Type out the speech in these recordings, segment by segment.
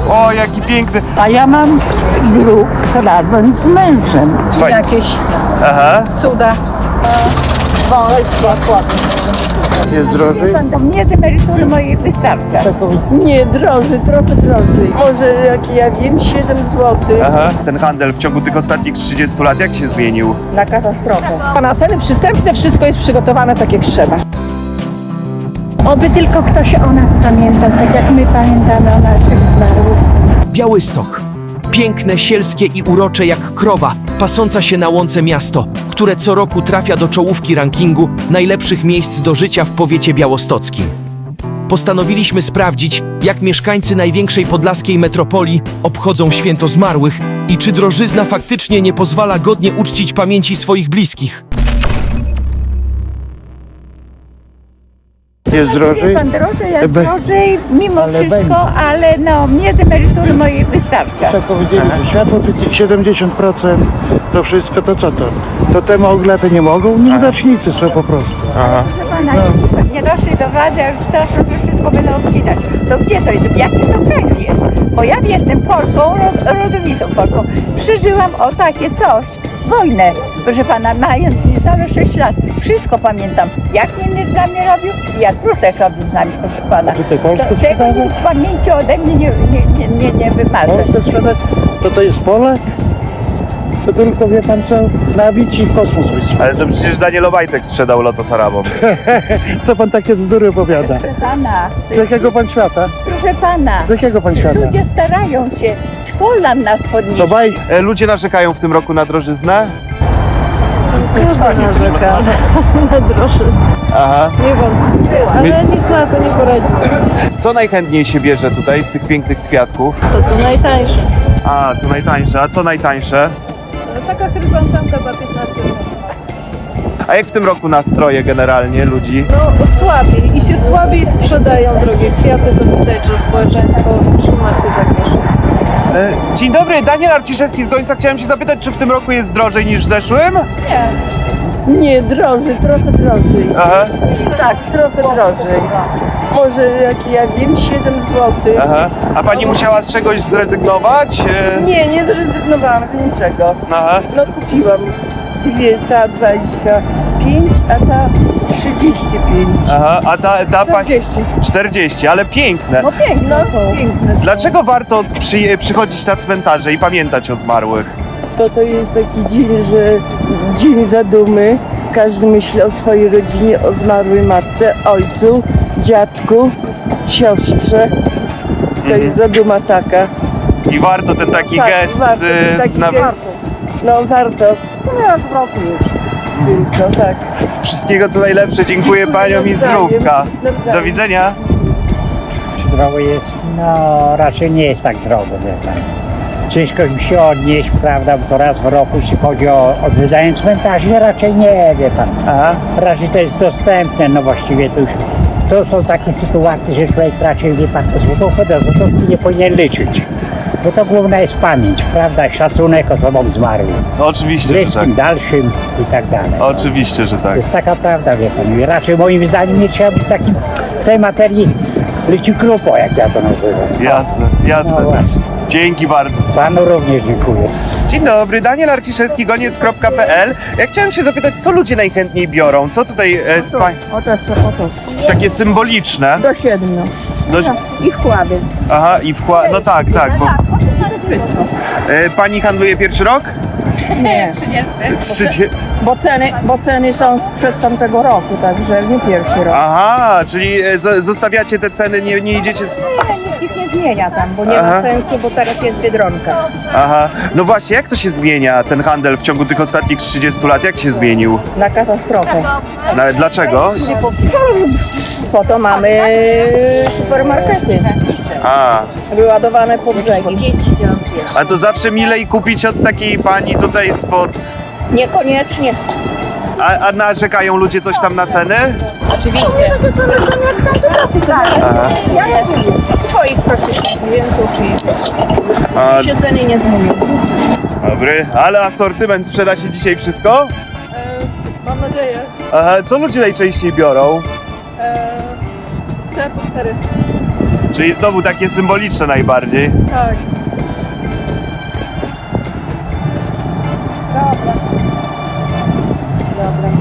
O, jaki piękny. A ja mam grób razem z mężem. Fajnie. Jakieś Aha. cuda. Jest drożej? Nie z emerytury mojej wystarcza. Nie, drożej, trochę drożej. Może jak ja wiem, 7 zł. Aha. Ten handel w ciągu tych ostatnich 30 lat jak się zmienił? Na katastrofę. A na ceny przystępne wszystko jest przygotowane tak jak trzeba. Oby tylko ktoś o nas pamiętał, tak jak my pamiętamy o naszych zmarłych. Białystok. Piękne, sielskie i urocze jak krowa, pasąca się na łące miasto, które co roku trafia do czołówki rankingu najlepszych miejsc do życia w powiecie białostockim. Postanowiliśmy sprawdzić, jak mieszkańcy największej podlaskiej metropolii obchodzą święto zmarłych i czy drożyzna faktycznie nie pozwala godnie uczcić pamięci swoich bliskich. Jest drożej? Pan drożej, jak drożej, mimo wszystko, ale no, mnie z emerytury mojej wystarcza. Tak powiedzieli, że światło 70%, to wszystko, to co to? To te mogle, te nie mogą? Nieudacznicy są po prostu. Aha. Proszę pana, nie doszli do władzy, a już straszą, że wszystko będą obcinać. To gdzie to jest? W jakim to kraju jest? Bo ja jestem Polką, rodowitą Polką. Przeżyłam o takie coś. Wojnę, proszę pana, mając niecałe 6 lat. Wszystko pamiętam, jak inny z nami robił i jak Prusek robił z nami, proszę pana. Czy te Polskę Tego sprzedawał? nic z pamięci ode mnie nie wymarzę. Polskę sprzedać? To jest Polak? To tylko wie pan co? Nabić i w kosmos wysłać. Ale to przecież Daniel Obajtek sprzedał Lotos Arabom. Co pan takie bzdury opowiada? Proszę pana, Z jakiego pan świata? proszę pana. Z jakiego pan świata? Ludzie starają się, z kolan nas podnieść. To baj... Ludzie narzekają w tym roku na drożyznę? Narzeka na drożyznę. Aha. Nie wątpię, ale nic na to nie poradzi. Co najchętniej się bierze tutaj z tych pięknych kwiatków? To co najtańsze. A, co najtańsze? A co najtańsze? Taka chryzantemka za 15 zł. A jak w tym roku nastroje generalnie ludzi? No słabiej i się słabiej sprzedają drogie kwiaty, to widać, że społeczeństwo trzyma się za grosz. Dzień dobry, Daniel Arciszewski z Gońca. Chciałem się zapytać, czy w tym roku jest drożej niż w zeszłym? Nie, drożej, trochę drożej. Aha, Tak, trochę drożej. Może jak ja wiem, 7 zł. aha. A pani musiała z czegoś zrezygnować? Nie zrezygnowałam z niczego. Aha. No kupiłam dwie, ta 25, a ta 35. Aha, a ta pani... 40. 40, ale piękne. No piękne są. Piękne są. Dlaczego warto przychodzić na cmentarze i pamiętać o zmarłych? To jest taki dzień, że dzień zadumy. Każdy myśli o swojej rodzinie, o zmarłej matce, ojcu, dziadku, siostrze. To jest zaduma taka. I warto ten taki Tak, gest warto, taki nawet... gest. No warto. W sumie raz w roku już. Tylko tak. Wszystkiego co najlepsze, dziękuję paniom i zdrówka. Nawzajem. Do widzenia. Drogo jest, no raczej nie jest tak drogo, wie pan. Ciężko mi się odnieść, prawda, bo to raz w roku, jeśli chodzi o odwiedzanie cmentarzy, raczej nie, wie pan. Aha. Raczej to jest dostępne, no właściwie to już, to są takie sytuacje, że człowiek raczej, wie pan, złotówkę do złotówki nie powinien liczyć. Bo to główna jest pamięć, prawda, szacunek osobom zmarłym, No, oczywiście, że tak. bliskim, dalszym i tak dalej. Oczywiście, że To tak. jest taka prawda, wie pan. I raczej moim zdaniem nie trzeba być takim w tej materii leciukrupo, jak ja to nazywam. Jasne, No jasne. właśnie. Dzięki bardzo. Panu również dziękuję. Dzień dobry, Daniel Arciszewski, goniec.pl. Ja chciałem się zapytać, co ludzie najchętniej biorą? Co tutaj Oto. takie symboliczne? Do 7. Do... I chłaby. Aha, i wkład... No tak, bo... Pani handluje pierwszy rok? Nie, 30. bo ceny są sprzed tamtego roku, także nie pierwszy rok. Aha, czyli zostawiacie te ceny, nie idziecie... Nikt ich nie zmienia tam, bo nie Aha. ma sensu, bo teraz jest Biedronka. Aha, no właśnie, jak to się zmienia, ten handel w ciągu tych ostatnich 30 lat? Jak się zmienił? Na katastrofę. Dlaczego? Po to mamy supermarkety A, wyładowane po brzegi. a to zawsze milej kupić od takiej pani tutaj spod... Niekoniecznie. A narzekają ludzie coś tam na ceny? Aha. Ja swoich praktycznie klientów A, i się ceny nie zmienią. dobry, ale asortyment sprzeda się dzisiaj wszystko? Mam nadzieję. Aha, co ludzie najczęściej biorą? Te po 4. Czyli znowu takie symboliczne najbardziej. Tak. Dobra. Dobra.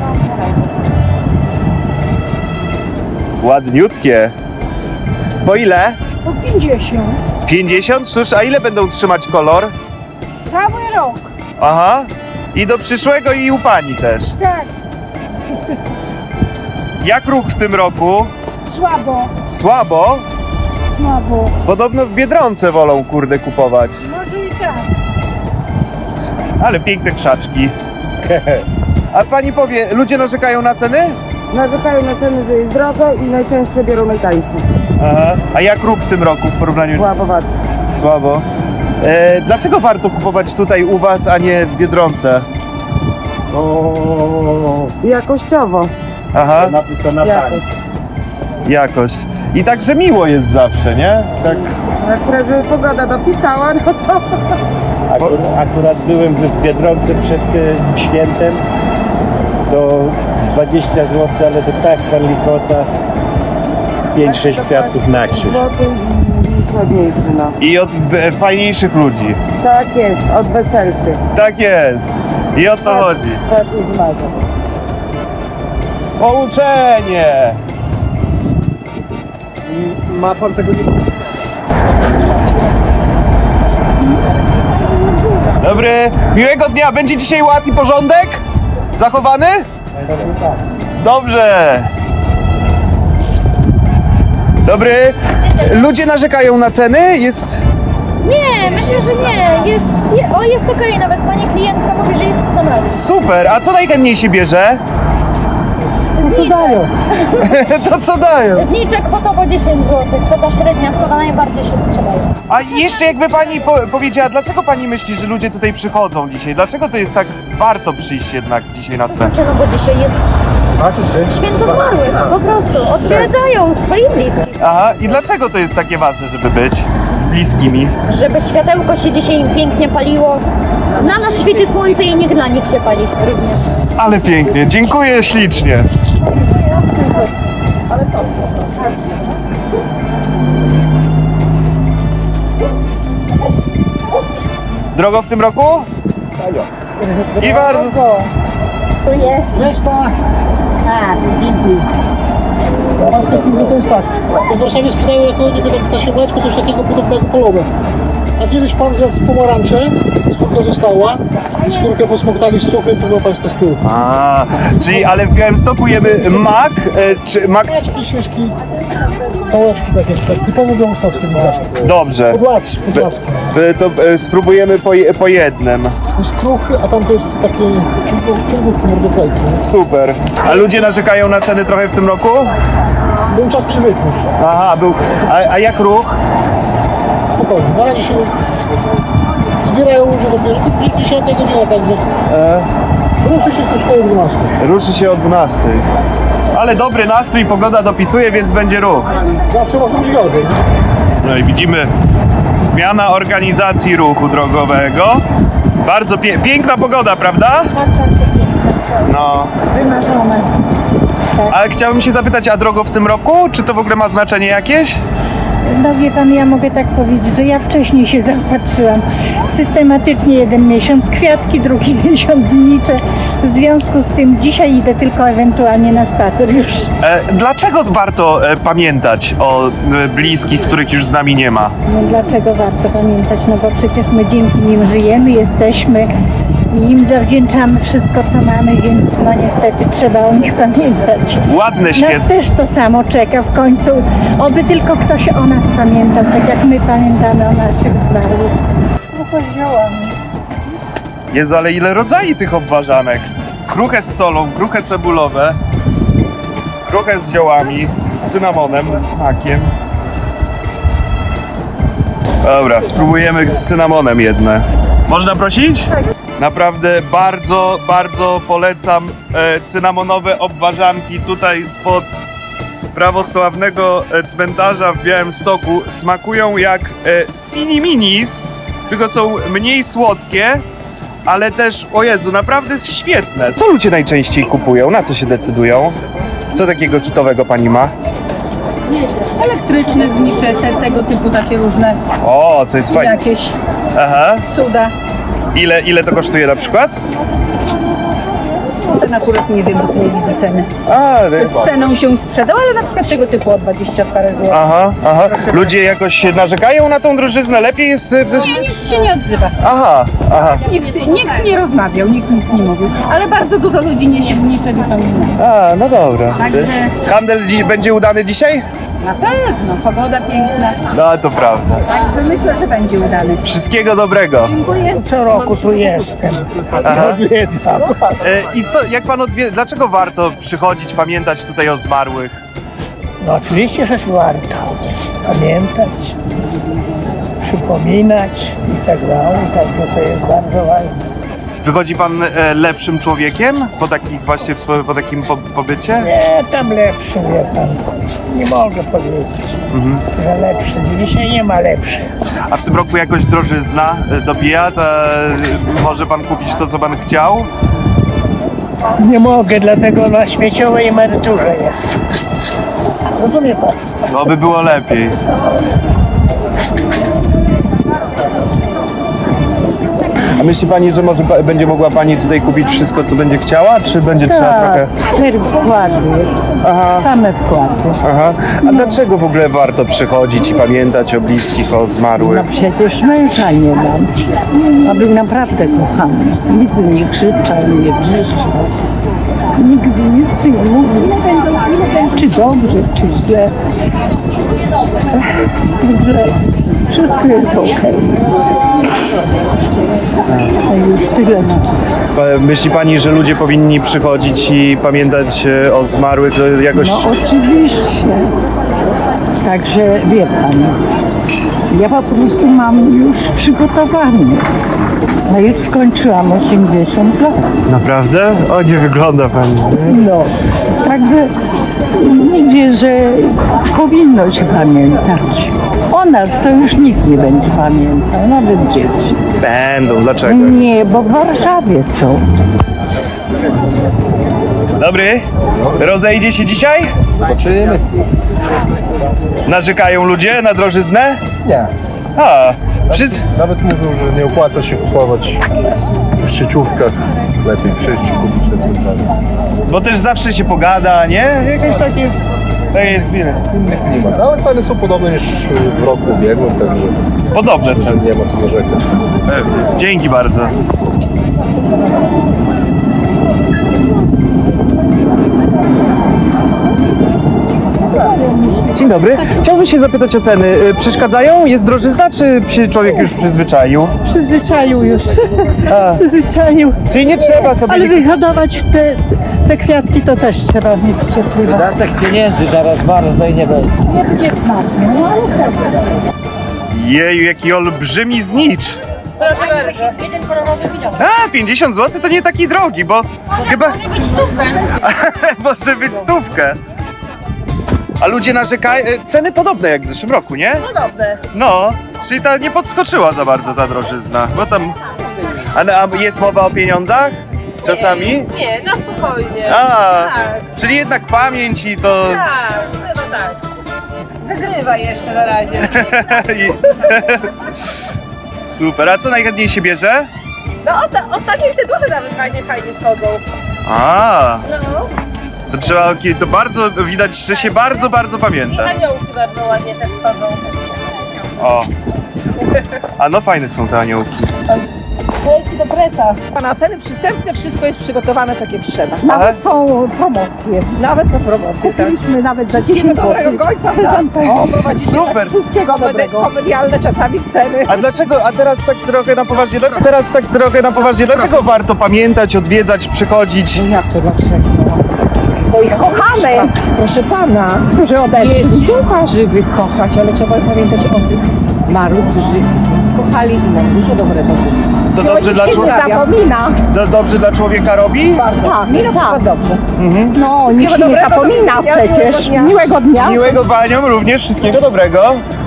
Ładniutkie. Po ile? Po 50. 50? Cóż, a ile będą trzymać kolor? Cały rok. Aha. I do przyszłego i u pani też. Tak. Jak ruch w tym roku? Słabo. Słabo? Słabo. Podobno w Biedronce wolą kurde kupować. Może i tak. Ale piękne krzaczki. A pani powie, ludzie narzekają na ceny? Narzekają na ceny, że jest drogo i najczęściej biorą najtańszy. Aha. A jak ruch w tym roku w porównaniu? Słabowat. Słabo. Dlaczego warto kupować tutaj u was, a nie w Biedronce? Jakościowo. Aha, Jakość. jakość. I także miło jest zawsze, nie? Tak. Akurat, żeby pogoda dopisała, no to... Akurat byłem w Biedronce przed świętem, to 20 zł, ale to tak palikota, 5-6 kwiatków na krzyż. Złoty i ładniejszy, no. I od fajniejszych ludzi. Tak jest, od weselszych. Tak jest. I o to chodzi. Tak i zmaga. Pouczenie! Ma pan tego nie... Dobry, miłego dnia. Będzie dzisiaj ład i porządek? Zachowany? Dobrze. Dobry. Ludzie narzekają na ceny? Jest... Nie, myślę, że nie. Jest okej, nawet pani klientka mówi, że jest w sam raz. Super. A co najchętniej się bierze? To co dają? Zniczek kwotowo 10 zł, kwota średnia, kwota najbardziej się sprzedaje. A jeszcze jakby pani powiedziała, dlaczego pani myśli, że ludzie tutaj przychodzą dzisiaj? Dlaczego to jest tak warto przyjść jednak dzisiaj na cmentarz? Dlaczego? Bo dzisiaj jest święto zmarłych, po prostu. Odwiedzają swoich bliskich. Aha, i dlaczego to jest takie ważne, żeby być z bliskimi? Żeby światełko się dzisiaj pięknie paliło. Na nas świeci słońce i niech dla nich się pali również. Ale pięknie, dziękuję ślicznie. Drogo w tym roku? I bardzo. Pańska spółka to jest tak. W Warszawie sprzedają jako niby ta siódmeczka, coś takiego podobnego polowę. A kiedyś pan zjadł pomarańcze, skórka została i skórkę posmoktali z cukrem, to była pańska skórka. A, czyli ale w Białymstoku jemy mak, czy mak... Pałeczki, szyszki, pałeczki takie, tak typowo białostockie pałeczki. Dobrze. Podłackie. To spróbujemy po jednym. To jest kruchy, a tam to jest takie ciągówki mordoklejki. Super. A ludzie narzekają na ceny trochę w tym roku? Był czas przywyknąć. Aha, był. A jak ruch? Spokojnie, na razie się zbierają ludzie dopiero 10 godzina, także ruszy się coś koło 12. Ruszy się o 12. Ale dobry nastrój, pogoda dopisuje, więc będzie ruch. Zawsze może być gorzej. No i widzimy zmiana organizacji ruchu drogowego. Bardzo piękna pogoda, prawda? Tak, pięknie. No. Wymarzone. Ale chciałbym się zapytać, a drogo w tym roku? Czy to w ogóle ma znaczenie jakieś? No wie pan, ja mogę tak powiedzieć, że ja wcześniej się zaopatrzyłam. Systematycznie jeden miesiąc kwiatki, drugi miesiąc znicze. W związku z tym dzisiaj idę tylko ewentualnie na spacer już. Dlaczego warto pamiętać o bliskich, których już z nami nie ma? No dlaczego warto pamiętać? No bo przecież my dzięki nim żyjemy, jesteśmy i im zawdzięczamy wszystko, co mamy, więc no niestety trzeba o nich pamiętać. Ładne, Nas świetne. też to samo czeka w końcu. Oby tylko ktoś o nas pamiętał, tak jak my pamiętamy o naszych zmarłych. Jezu, ale ile rodzajów tych obwarzanek. Kruche z solą, kruche cebulowe, kruche z ziołami, z cynamonem, z makiem. Dobra, spróbujemy z cynamonem jedne. Można prosić? Naprawdę bardzo, bardzo polecam cynamonowe obwarzanki tutaj spod prawosławnego cmentarza w Białymstoku. Smakują jak Sini Minis, tylko są mniej słodkie, ale też, o Jezu, naprawdę jest świetne. Co ludzie najczęściej kupują? Na co się decydują? Co takiego hitowego pani ma? Elektryczne znicze, tego typu takie różne O, to jest fajne. jakieś Aha. cuda. Ile to kosztuje na przykład? Ten akurat nie wiem, bo tu nie widzę ceny. A, Z ceną się sprzedał, ale na przykład tego typu o 20 parę złotych. aha. Ludzie jakoś narzekają na tą drożyznę? Lepiej jest... Nikt się nie odzywa. Aha. Nikt nie rozmawiał, nikt nic nie mówił. Ale bardzo dużo ludzi niesie znicze zupełnie nas. A, no dobra. Także Handel będzie udany dzisiaj? na pewno, pogoda piękna. No, to prawda. Także myślę, że będzie udany. Wszystkiego dobrego. Dziękuję. Co roku tu jestem. Aha. Odwiedzam. I co, jak pan dlaczego warto przychodzić, pamiętać tutaj o zmarłych? No oczywiście, że warto pamiętać, przypominać i tak dalej, także to jest bardzo ważne. Wychodzi pan lepszym człowiekiem po takim pobycie? Nie, tam lepszy, wie pan. Nie mogę powiedzieć, że lepszy. Dzisiaj nie ma lepszych. A w tym roku jakoś drożyzna dobija? Może pan kupić to, co pan chciał? Nie mogę, dlatego na śmieciowej emeryturze jest. Rozumie pan? No by było lepiej. A myśli pani, że może będzie mogła pani tutaj kupić wszystko, co będzie chciała, czy będzie trzeba trochę... 4 wkłady, Aha, same wkłady. aha. A dlaczego w ogóle warto przychodzić i pamiętać o bliskich, o zmarłych? No przecież męża nie mam. A był naprawdę kochany. Nigdy nie krzyczał, nie wrzeszczał. Nigdy nic nie mówił. Czy dobrze, czy źle. Także wszystko jest okej. A już tyle mam. Myśli pani, że ludzie powinni przychodzić i pamiętać o zmarłych jakoś... No oczywiście. Także wie pan, ja po prostu mam już przygotowany. No już skończyłam 80 lat. Naprawdę? O, nie wygląda pani. No, także mówię, że powinno się pamiętać. O nas to już nikt nie będzie pamiętał, nawet dzieci. Będą, dlaczego? Nie, bo w Warszawie są. Dobry. Rozejdzie się dzisiaj? Zobaczymy. Narzekają ludzie na drożyznę? Nie. A, wszyscy... Nawet mówią, że nie opłaca się kupować w sieciówkach. Lepiej przyjść i kupić na centralnie. Bo też zawsze się pogada, nie? Jakieś takie jest... Takie jest miłe. Innych nie ma. No, ale ceny są podobne niż w roku ubiegłym, także Podobne ceny. nie ma co narzekać. Dzięki bardzo. Dzień dobry. Chciałbym się zapytać o ceny. Przeszkadzają? Jest drożyzna, czy się człowiek już przyzwyczaił? Przyzwyczaił już. Przyzwyczaił. Czyli nie trzeba sobie... Ale wyhodować te kwiatki to też trzeba mieć cierpliwość. Wydatek pieniędzy zaraz bardzo i nie będzie. Nie będzie smacznie, no ale tak. Jeju, jaki olbrzymi znicz. Jeden kolorowy widok. A, 50 zł to nie taki drogi, bo chyba... Może być stówkę. Może być stówkę. A ludzie narzekają... Ceny podobne jak w zeszłym roku, nie? Podobne. No, czyli ta nie podskoczyła za bardzo ta drożyzna, bo tam... A jest mowa o pieniądzach? Czasami? Nie, na spokojnie. A, Tak. czyli jednak pamięć i to... Tak, chyba tak. Wygrywa jeszcze na razie. Super, a co najchętniej się bierze? No ostatnio te duże nawet fajnie schodzą. A, No. to trzeba... To bardzo widać, że się bardzo, bardzo pamięta. Aniołki bardzo ładnie też schodzą. O. A no fajne są te aniołki. Lejki do preca. Na ceny przystępne wszystko jest przygotowane tak jak trzeba. Nawet są promocje. Nawet są promocje, tak. Kupiliśmy nawet za 10 zł. Dobrego końca O, prowadzimy Super! wszystkiego dobrego. komedialne czasami sceny. A dlaczego, a teraz tak trochę na poważnie, dlaczego warto pamiętać, odwiedzać, przychodzić? Jak to dlaczego? Bo ich kochamy, proszę pana. Którzy odeszli. Jest sztuka żywych kochać, ale trzeba pamiętać o tych zmarłych, którzy nas kochali i nam dużo dobrego zrobili. To dobrze dla człowieka? Zapomina. To dobrze dla człowieka robi? Tak, mi na przykład dobrze. No, nikt się nie dobrego, zapomina miłego dnia, przecież. miłego dnia. Miłego dnia. Miłego paniom również, wszystkiego dobrego.